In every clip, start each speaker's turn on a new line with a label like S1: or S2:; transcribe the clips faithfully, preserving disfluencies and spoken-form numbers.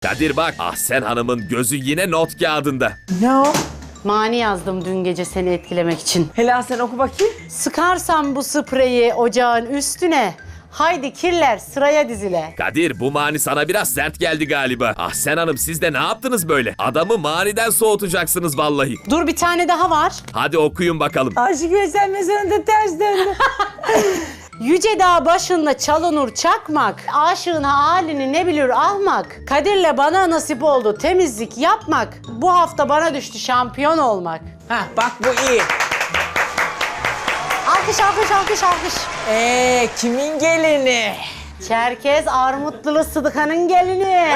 S1: Kadir bak, Ahsen Hanım'ın gözü yine not kağıdında.
S2: Ne o?
S3: Mani yazdım dün gece seni etkilemek için.
S2: Helal sen oku bakayım.
S3: Sıkarsam bu spreyi ocağın üstüne, haydi kirler sıraya dizile.
S1: Kadir, bu mani sana biraz sert geldi galiba. Ahsen Hanım, siz de ne yaptınız böyle? Adamı maniden soğutacaksınız vallahi.
S3: Dur, bir tane daha var.
S1: Hadi okuyun bakalım.
S2: Aşık Veysel mezarında ters döndü.
S3: Yüce dağ başında çalınur çakmak, aşığın halini ne bilir ahmak. Kadir'le bana nasip oldu temizlik yapmak, bu hafta bana düştü şampiyon olmak.
S2: Hah bak bu iyi.
S3: Alkış, alkış, alkış, alkış.
S2: Ee kimin gelini?
S3: Çerkez Armutlu'lu Sıdıka'nın gelini.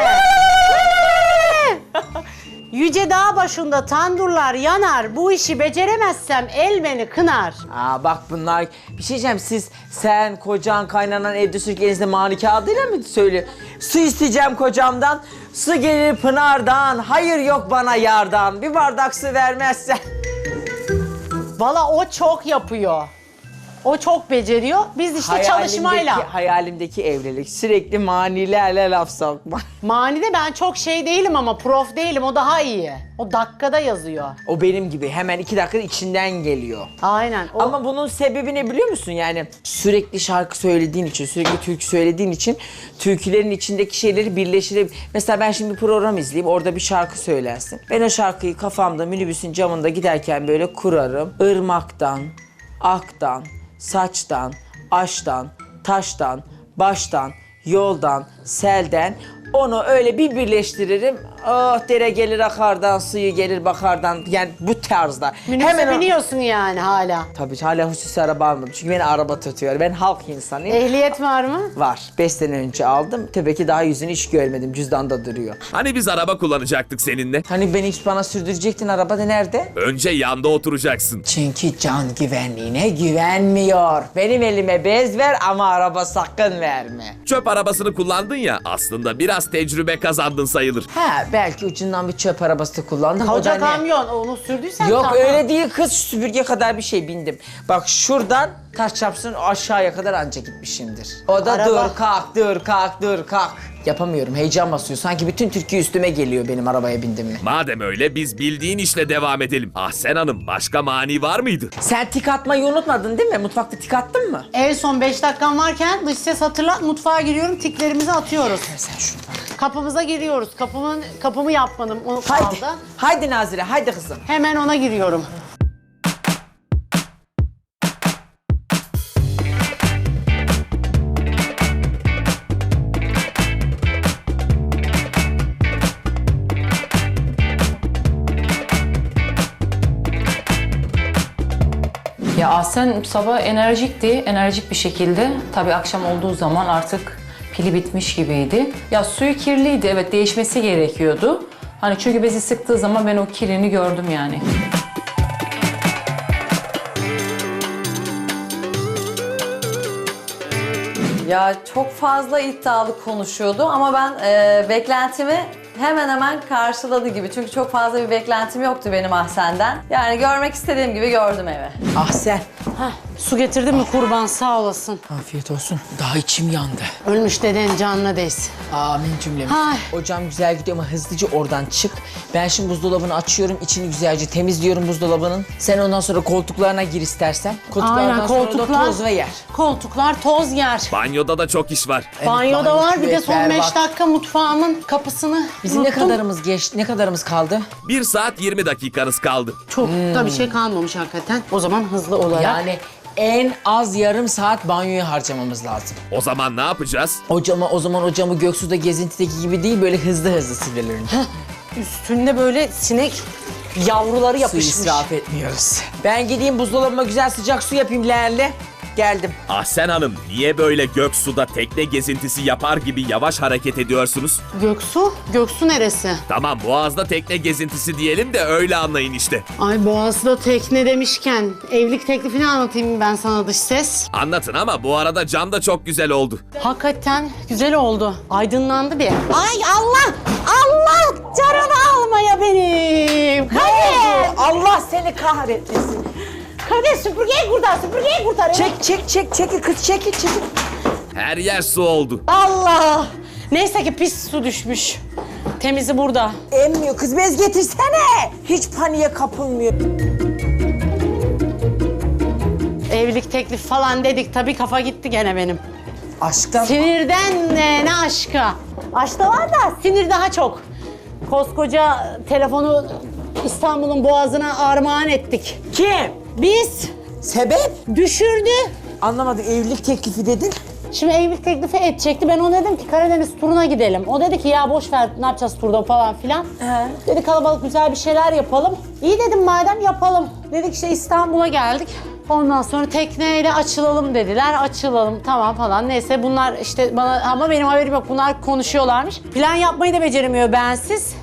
S3: Yüce dağ başında tandurlar yanar, bu işi beceremezsem el beni kınar.
S2: Aa bak bunlar, bir şey diyeceğim, siz sen, kocan, kaynanan evde sürekli elinizde mani kağıdıyla mı söylüyor? Su isteyeceğim kocamdan, su gelir pınardan, hayır yok bana yardan, bir bardak su vermezsen.
S3: Valla o çok yapıyor. O çok beceriyor. Biz işte çalışmayla.
S2: Hayalimdeki evlilik, sürekli manilerle laf sokma.
S3: Manide ben çok şey değilim ama prof değilim, o daha iyi. O dakikada yazıyor.
S2: O benim gibi hemen iki dakikada içinden geliyor.
S3: Aynen. O...
S2: Ama bunun sebebi ne biliyor musun? Yani sürekli şarkı söylediğin için, sürekli türkü söylediğin için türkülerin içindeki şeyleri birleştirip... Mesela ben şimdi bir program izleyeyim, orada bir şarkı söylersin. Ben o şarkıyı kafamda, minibüsün camında giderken böyle kurarım. Irmaktan, aktan, saçtan, aştan, taştan, baştan, yoldan, selden... Onu öyle bir birleştiririm. Oh dere gelir akardan, suyu gelir bakardan. Yani bu tarzda.
S3: Minibüse
S2: o-
S3: biniyorsun yani hala.
S2: Tabii hala hususi araba almadım. Çünkü beni araba tutuyor. Ben halk insanıyım.
S3: Ehliyet var mı?
S2: Var. Beş sene önce aldım. Tabii ki daha yüzünü hiç görmedim. Cüzdanda duruyor.
S1: Hani biz araba kullanacaktık seninle?
S2: Hani beni hiç bana sürdürecektin, arabada nerede?
S1: Önce yanda oturacaksın.
S2: Çünkü can güvenliğine güvenmiyor. Benim elime bez ver ama araba sakın verme.
S1: Çöp arabasını kullandın ya, aslında biraz tecrübe kazandın sayılır.
S2: Ha belki ucundan bir çöp arabası da kullandım. O da
S3: Koca
S2: ne?
S3: kamyon, onu sürdüysen
S2: Yok
S3: tamam.
S2: öyle değil kız, süpürge kadar bir şey bindim. Bak şuradan taş çarpsın aşağıya kadar anca gitmişimdir. O da
S3: Araba.
S2: dur kalk dur kalk dur kalk. Yapamıyorum, heyecan basıyor. Sanki bütün Türkiye üstüme geliyor benim arabaya bindim mi?
S1: Madem öyle, biz bildiğin işle devam edelim. Ahsen Hanım, başka mani var mıydı?
S2: Sen tik atmayı unutmadın değil mi? Mutfakta tik attın mı?
S3: En son beş dakikam varken dış ses hatırlat, mutfağa giriyorum, tiklerimizi atıyoruz.
S2: Sen şunu bana.
S3: Kapımıza giriyoruz. Kapımın kapımı yapmadım. O
S2: Haydi.
S3: kaldı.
S2: Haydi Nazire, haydi kızım.
S3: Hemen ona giriyorum.
S4: Ya Ahsen sabah enerjikti, enerjik bir şekilde. Tabii akşam olduğu zaman artık pili bitmiş gibiydi. Ya suyu kirliydi, evet değişmesi gerekiyordu. Hani çünkü bezi sıktığı zaman ben o kirini gördüm yani.
S5: Ya çok fazla iddialı konuşuyordu ama ben e, beklentimi hemen hemen karşıladı gibi. Çünkü çok fazla bir beklentim yoktu benim Ahsen'den. Yani görmek istediğim gibi gördüm evi.
S2: Ah sen.
S3: Heh, su getirdin mi kurban, sağ olasın.
S2: Afiyet olsun. Daha içim yandı.
S3: Ölmüş deden canına değsin.
S2: Amin cümlemiz.
S3: Ay.
S2: Ocağım güzel gidiyor ama hızlıca oradan çık. Ben şimdi buzdolabını açıyorum, içini güzelce temizliyorum buzdolabının. Sen ondan sonra koltuklarına gir istersen. Koltuklardan
S3: Aynen,
S2: sonra da
S3: koltuklar.
S2: toz ve yer.
S3: Koltuklar toz yer.
S1: Banyoda da çok iş var.
S2: Evet,
S3: Banyoda
S2: banyo,
S3: var, bir de
S2: küvet,
S3: son
S2: berbat.
S3: beş dakika mutfağımın kapısını
S2: Bizim ne
S3: unuttum.
S2: kadarımız geçti, ne kadarımız kaldı?
S1: bir saat yirmi dakikanız kaldı.
S3: Çok da bir şey kalmamış hakikaten. O zaman hızlı olarak.
S2: Yani en az yarım saat banyoya harcamamız lazım.
S1: O zaman ne yapacağız?
S2: O camı, o zaman o camı Göksu'da gezintideki gibi değil, böyle hızlı hızlı silirim.
S3: Üstünde böyle sinek yavruları
S2: Su
S3: yapışmış.
S2: israf etmiyoruz. Ben gideyim buzdolabıma güzel sıcak su yapayım leğenle. Geldim.
S1: Ahsen Hanım, niye böyle Göksu'da tekne gezintisi yapar gibi yavaş hareket ediyorsunuz?
S3: Göksu? Göksu neresi?
S1: Tamam, Boğaz'da tekne gezintisi diyelim de öyle anlayın işte.
S3: Ay Boğaz'da tekne demişken evlilik teklifini anlatayım ben sana dış ses.
S1: Anlatın ama bu arada cam da çok güzel oldu.
S3: Hakikaten güzel oldu. Aydınlandı bir. Ay Allah! Allah! Canımı almaya benim! Kadir!
S2: Allah seni kahretmesin.
S3: Kadir süpürgeyi kurtar, süpürgeyi kurtar.
S2: Çek çek çek çekil kız çekil çekil.
S1: Her yer su oldu.
S3: Allah! Neyse ki pis su düşmüş. Temizi burada.
S2: Emmiyor kız, bez getirsene. Hiç paniğe kapılmıyor.
S3: Evlilik teklifi falan dedik. Tabii kafa gitti gene benim.
S2: Aşktan.
S3: Sinirden ne, ne aşka. Aşk da var da sinir daha çok. Koskoca telefonu İstanbul'un boğazına armağan ettik.
S2: Kim?
S3: Biz
S2: Sebep?
S3: düşürdü.
S2: Anlamadık, evlilik teklifi dedin.
S3: Şimdi evlilik teklifi edecekti. Ben ona dedim ki Karadeniz turuna gidelim. O dedi ki ya boş ver ne yapacağız turda falan filan.
S2: He.
S3: Dedi kaalabalık güzel bir şeyler yapalım. İyi dedim madem yapalım. Dedik işte İstanbul'a geldik. Ondan sonra tekneyle açılalım dediler. Açılalım tamam falan. Neyse bunlar işte bana ama benim haberim yok. Bunlar konuşuyorlarmış. Plan yapmayı da beceremiyor bensiz.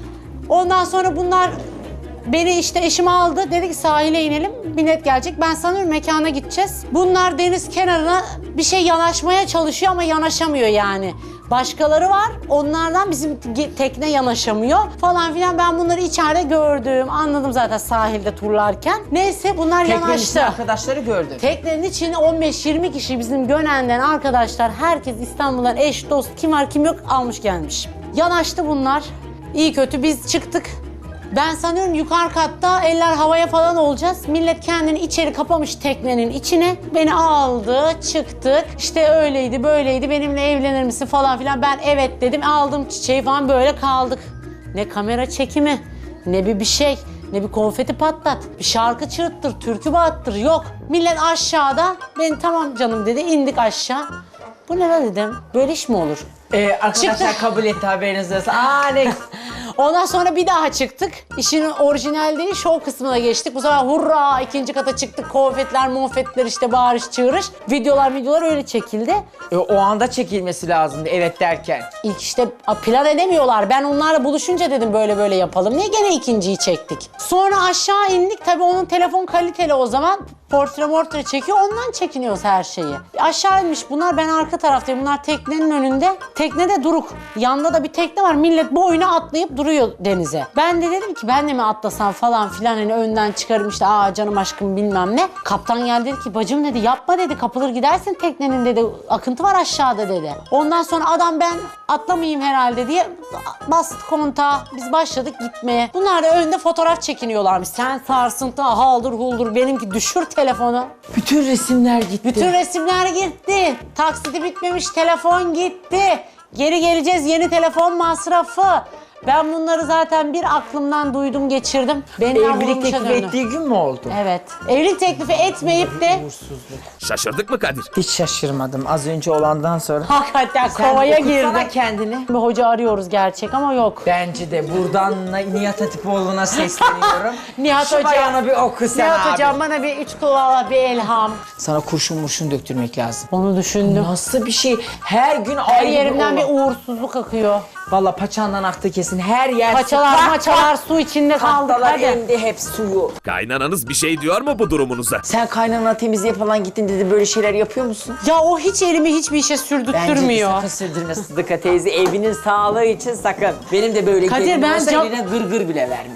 S3: Ondan sonra bunlar beni işte eşim aldı. Dedi ki sahile inelim. Bilet gelecek. Ben sanıyorum mekana gideceğiz. Bunlar deniz kenarına bir şey yanaşmaya çalışıyor ama yanaşamıyor yani. Başkaları var. Onlardan bizim tekne yanaşamıyor falan filan. Ben bunları içeride gördüm. Anladım zaten sahilde turlarken. Neyse bunlar
S2: Teknenin
S3: yanaştı.
S2: içinde arkadaşları gördün.
S3: Teknenin içinde on beş yirmi kişi bizim Gönen'den arkadaşlar. Herkes İstanbul'dan eş, dost, kim var kim yok almış gelmiş. Yanaştı bunlar. İyi kötü biz çıktık. Ben sanıyorum yukarı katta eller havaya falan olacağız. Millet kendini içeri kapamış teknenin içine. Beni aldı, çıktık. İşte öyleydi, böyleydi, benimle evlenir misin falan filan. Ben evet dedim, aldım çiçeği falan böyle kaldık. Ne kamera çekimi, ne bir bir şey, ne bir konfeti patlat. Bir şarkı çığırttır, türkü bağıttır, yok. Millet aşağıda, ben tamam canım dedi, indik aşağı. Bu ne lan dedim, böyle iş mi olur?
S2: Ee, arkadaşlar
S3: Çıktı.
S2: kabul etti, haberiniz olsun. Aa ne?
S3: Ondan sonra bir daha çıktık. İşin orijinal değil, şov kısmına geçtik. Bu sefer hurra ikinci kata çıktık. Konfetler, monfetler işte bağırış çığırış. Videolar videolar öyle çekildi.
S2: E, o anda çekilmesi lazımdı evet derken.
S3: İlk işte a, plan edemiyorlar. Ben onlarla buluşunca dedim böyle böyle yapalım. Niye gene ikinciyi çektik? Sonra aşağı indik. Tabii onun telefon kaliteli o zaman. Portre mortre çekiyor. Ondan çekiniyoruz her şeyi. Aşağı inmiş bunlar. Ben arka taraftayım. Bunlar teknenin önünde. Teknede duruk. Yanında da bir tekne var. Millet boyuna atlayıp duruyor denize. Ben de dedim ki ben de mi atlasam falan filan hani önden çıkarım işte aa canım aşkım bilmem ne. Kaptan geldi dedi ki bacım dedi yapma dedi kapılır gidersin teknenin dedi akıntı var aşağıda dedi. Ondan sonra adam ben atlamayayım herhalde diye bastı kontağa. Biz başladık gitmeye. Bunlar da önde fotoğraf çekiniyorlarmış. Sen sarsıntı haldır huldur benimki düşür telefonu.
S2: Bütün resimler gitti.
S3: Bütün resimler gitti. Taksiti bitmemiş telefon gitti. Geri geleceğiz yeni telefon masrafı. Ben bunları zaten bir aklımdan duydum geçirdim. Beni
S2: Evlilik teklif ettiği gün mü oldu?
S3: Evet. Evlilik teklifi etmeyip de
S1: Şaşırdık mı Kadir?
S2: Hiç şaşırmadım az önce olandan sonra.
S3: hakikaten
S2: Sen
S3: kovaya
S2: okutsana
S3: girdi.
S2: kendini.
S3: Bir hoca arıyoruz gerçek ama yok.
S2: Bence de buradan Nihat Hatipoğlu'na sesleniyorum.
S3: Nihat
S2: Şu
S3: Hocam.
S2: bayana bir oku sen
S3: Nihat
S2: abi.
S3: hocam bana bir üç kulağa bir elham.
S2: Sana kurşun murşun döktürmek lazım.
S3: Onu düşündüm.
S2: Nasıl bir şey? Her gün
S3: Her
S2: ayrı
S3: yerimden bir
S2: olay.
S3: uğursuzluk akıyor.
S2: Valla paçandan aktı kesin. Her yer
S3: Paçalar
S2: su.
S3: maçalar su içinde kaldık
S2: Tahtalar
S3: hadi.
S2: emdi hep suyu.
S1: Kaynananız bir şey diyor mu bu durumunuza?
S2: Sen kaynana temizliğe falan gittin dedi, böyle şeyler yapıyor musun?
S3: Ya o hiç elimi hiçbir işe
S2: Bence de
S3: sürdürtmüyor.
S2: sakın sürdürme Sıdıka teyze. Evinin sağlığı için sakın. Benim de böyle
S3: Kadir,
S2: gelinim
S3: ben
S2: olsa
S3: cam-
S2: eline gırgır bile vermem.